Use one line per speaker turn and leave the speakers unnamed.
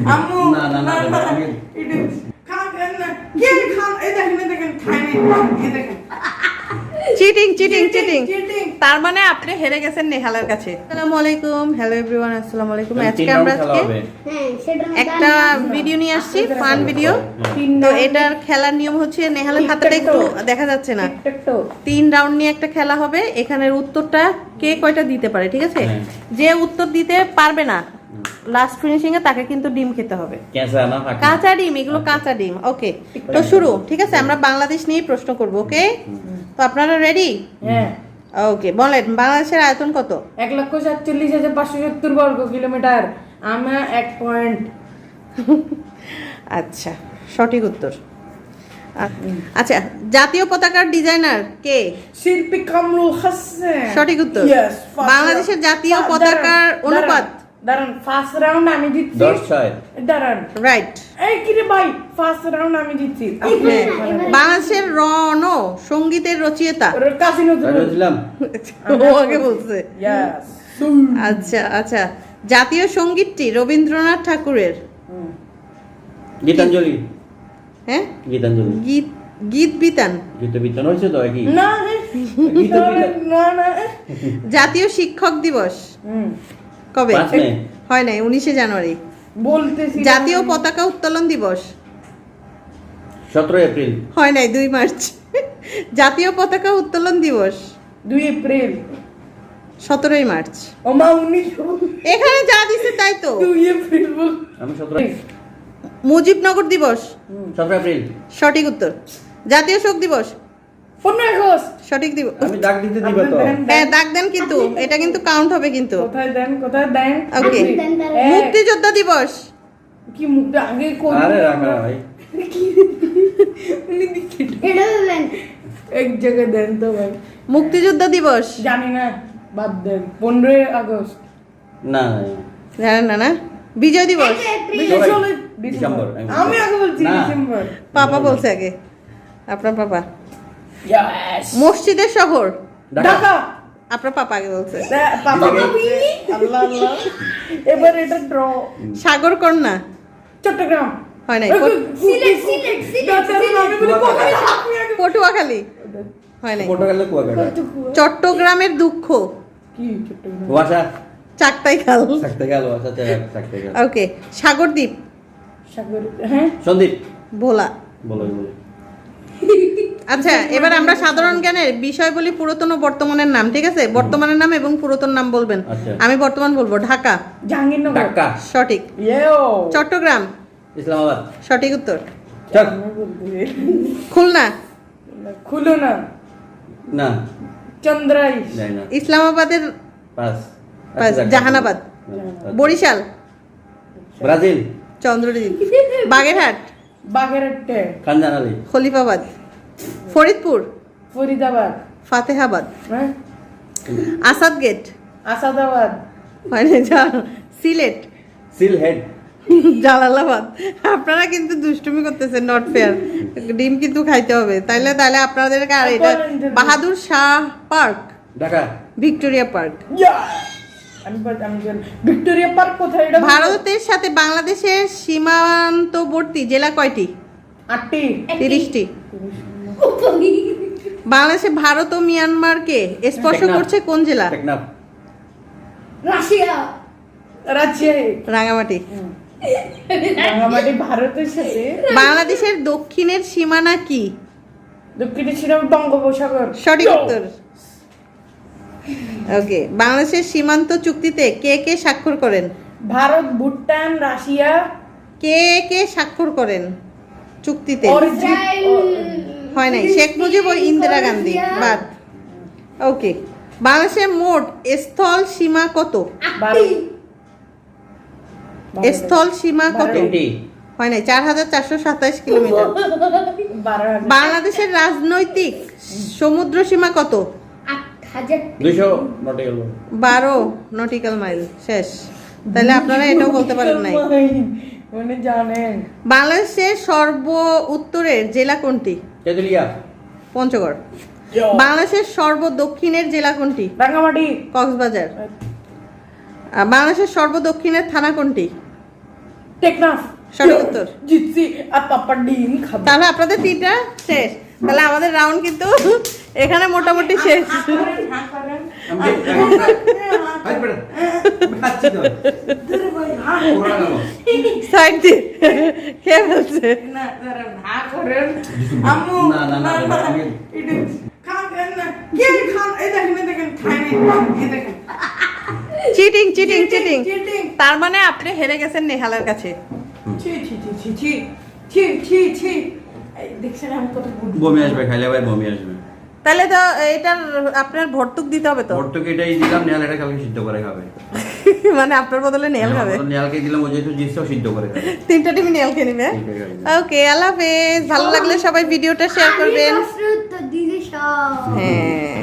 আম্মু
না না না আমি
এটা খান না কে খান এই দেখেন খাই নাই এই দেখেন
চিটিং চিটিং চিটিং
চিটিং
তার মানে আপনি হেরে গেছেন নেহালের কাছে। আসসালামু আলাইকুম, হ্যালো এভরিওয়ান, আসসালামু আলাইকুম। আজকে আমরা একটা ভিডিও নিয়ে আসছি, ফান ভিডিও। তো এটার খেলার নিয়ম হচ্ছে, নেহালের হাতটা একটু দেখা যাচ্ছে না, 3 রাউন্ড নিয়ে একটা খেলা হবে। এখানের উত্তরটা কে কয়টা দিতে পারে, ঠিক আছে? যে উত্তর দিতে পারবে না লাস্ট ফিনিশিং এ তাকে কিন্তু ডিম খেতে হবে, কাঁচা ডিম, এগুলো কাঁচা ডিম। ওকে, তো শুরু, ঠিক আছে? আমরা বাংলাদেশ নিয়ে প্রশ্ন করব, ওকে? তো আপনারা রেডি?
হ্যাঁ।
ওকে, বলেন বাংলাদেশের আয়তন কত?
1,47,570 বর্গ কিলোমিটার। আমরা 1 পয়েন্ট।
আচ্ছা, সঠিক উত্তর। আচ্ছা, জাতীয় পতাকার ডিজাইনার কে?
শিল্পী কামরুল হাসান।
সঠিক উত্তর।
Yes, first
বাংলাদেশের
round.
জাতীয় পতাকার অনুপাত?
দাঁড়ান, ফার্স্ট রাউন্ড আমি জিতছি।
10-6
দাঁড়ান,
রাইট।
এই কি রে ভাই, ফার্স্ট রাউন্ড আমি জিতছি।
বাংলাদেশের রণ সঙ্গীতের রচয়িতা?
কাজী নজরুল।
দিলাম
ও আগে বলছে।
ইয়েস।
আচ্ছা আচ্ছা, জাতীয় সঙ্গীতটি রবীন্দ্রনাথ ঠাকুরের?
গীতাঞ্জলি।
হ্যাঁ,
গীতাঞ্জলি।
গীত গীত বিতান?
গীত বিতান হয়েছে তো একই।
না
গীত বিতান।
না।
জাতীয় শিক্ষক দিবস কবে?
5 মে।
হয় নাই, 19শে জানুয়ারি।
বলতেছি।
জাতীয় পতাকা উত্তোলন দিবস?
17 এপ্রিল।
হয় নাই, 2 মার্চ। জাতীয় পতাকা উত্তোলন দিবস?
2 এপ্রিল।
17 মার্চ।
ও মা 19
এখানে যা দিছে তাই তো।
2 এপ্রিল বল।
আমি 17
মুজিবনগর দিবস?
17 এপ্রিল।
সঠিক উত্তর। জাতীয় শোক দিবস?
15 আগস্ট।
সঠিক দিবস।
আমি ডাক দিতে দিব তো।
হ্যাঁ, দাগ দেন, কিন্তু এটা কিন্তু কাউন্ট হবে কিন্তু।
কোথায় দেন?
ওকে, মুক্তিযোদ্ধা দিবস?
কি মুখটা আগে কোন?
আরে রাখা ভাই।
এটা দেন এক জায়গায় দেন তো ভাই।
মুক্তিযোদ্ধা দিবস?
জানি না, বাদ দেন। 15 আগস্ট।
না
জানেন না? না, বিজয় দিবস?
ডিসেম্বর।
আমি আগে বলছি
না।
ডিসেম্বর।
পাপা বলছে আগে, আপনার পাপা।
ইয়েস।
মসজিদের শহর?
ঢাকা।
আপনার পাপা আগে বলছে।
পাপা আল্লাহ আল্লাহ। এবার এটা ড্র।
সাগর কন্যা?
চট্টগ্রাম।
হয় নাই।
সিলেট। আমি বলি কোথায়?
পটুয়াখালী? হয় নাই।
পর্তুগালের কুয়াকাটা।
চট্টগ্রামের দুঃখ?
কি চট্টগ্রাম?
ওয়াসা।
চাকতাই খাল?
থাকতে গেল ওয়াসা থাকতে গেল।
ওকে, সাগরদ্বীপ?
সাগর। হ্যাঁ,
সন্দীপ।
ভোলা?
বলো।
আচ্ছা, এবার আমরা সাধারণ জ্ঞানের বিষয় বলি পুরাতন ও বর্তমানের নাম, ঠিক আছে? বর্তমানের নাম এবং পুরাতন নাম বলবেন।
আচ্ছা।
আমি বর্তমান বলবো। ঢাকা?
জাহাঙ্গীরনগর।
ঢাকা।
সঠিক।
ইয়েও।
চট্টগ্রাম?
ইসলামাবাদ।
সঠিক উত্তর।
চল।
খুলনা?
খুলো না।
না
চন্দ্রাই।
যাই না।
ইসলামাবাদের
পাস।
জাহানাবাদ? বরিশাল?
ব্রাজিল।
চন্দ্রদ্বীপ? বাগেরহাট?
বাগেরহাটে।
খানজান আলী।
খলিফাবাদ? ফরিদপুর?
ফরিদাবাদ।
ফাতেহাবাদ?
হ্যাঁ,
আসাদ গেট?
আসাদাবাদ।
মানে সিলেট?
সিলহেড।
জালালাবাদ? আপনারা কিন্তু দুষ্টুমি করতেছেন, নট ফেয়ার। ডিম কিন্তু খাইতে হবে, তাইলে আপনাদেরকে। আর এটা Bahadur Shah park?
Dhaka.
Victoria park?
আমি ভিক্টোরিয়া পার্ক কোথায়? এটা
ভারতের সাথে বাংলাদেশের সীমান্তবর্তী জেলা কয়টি?
8টি।
30টি। বাংলাদেশে ভারত ও মিয়ানমারকে স্পর্শ
টেকনাফ।
করছে কোন জেলা?
টেকনাফ।
রাশিয়া।
রাঙামাটি?
রাঙামাটি ভারতের সাথে।
বাংলাদেশের দক্ষিণের সীমানা কি?
দক্ষিণে ছিল বঙ্গোপসাগর।
সঠিক উত্তর। ওকে, বাংলাদেশের সীমান্ত চুক্তিতে কে কে স্বাক্ষর করেন?
ভারত, ভুটান, রাশিয়া।
কে কে স্বাক্ষর করেন চুক্তিতে?
অরিজিৎ।
হয় নাই, শেখ মুজিব ও ইন্দিরা গান্ধী বাদ। ওকে, বাংলাদেশের মোট স্থল সীমা কত? স্থল সীমা কত?
20।
হয় নাই, 4427 কিলোমিটার। বাংলাদেশের রাজনৈতিক সমুদ্র সীমা কত?
200 নটিক্যাল।
12 nautical mile. শেষ। তাহলে আপনারা এটাও বলতে পারেন নাই।
মানে জানেন
বাংলাদেশের সর্ব উত্তরের জেলা কোনটি?
তেতুলিয়া।
পঞ্চগড়। বাংলাদেশের সর্ব দক্ষিণের জেলা কোনটি?
রাঙামাটি।
কক্সবাজার। বাংলাদেশের সর্ব দক্ষিণের থানা কোনটি?
টেকনাফ
সঠিক উত্তর।
জিতছি আর পাপ্পা ডিম খাবে।
তাহলে আপনাদের 3টা শেষ। তাহলে আমাদের রাউন্ড কিন্তু এখানে মোটামুটি শেষ। সাইড দিয়ে কে বলছে?
আম্মু
না, না, না,
না,
আমি-
এটা খাবেন না। কে খান? এই দেখেন খায় নাই। এই দেখেন।
Cheating cheating cheating.
চিটিং।
তার মানে আপনি হেরে গেছেন নেহালের কাছে।
ছি ছি ছি ছি ছি ছি ছি ছি। এই দেখছেন আমি কত বুদ্ধি।
বমি আসবে, খাইলে ভাই বমি আসবে।
তাহলে তো এটার আপনার ভর্তুক দিতে হবে তো।
ভর্তুকি এটাই দিলাম, নেহাল এটা কালকে সিদ্ধ করে খাবে।
মানে আপনার বদলে নেহাল খাবে।
নেহালকে দিলাম, ও যেহেতু জিতছেও সিদ্ধ করে খাবে।
3টা টিমই নেহালকে নিবে।
তিনটে খাবে।
ওকে, আল্লাহ হাফেজ। ভালো লাগলে সবাই ভিডিওটা শেয়ার করবেন।
দিদি সব
হ্যাঁ।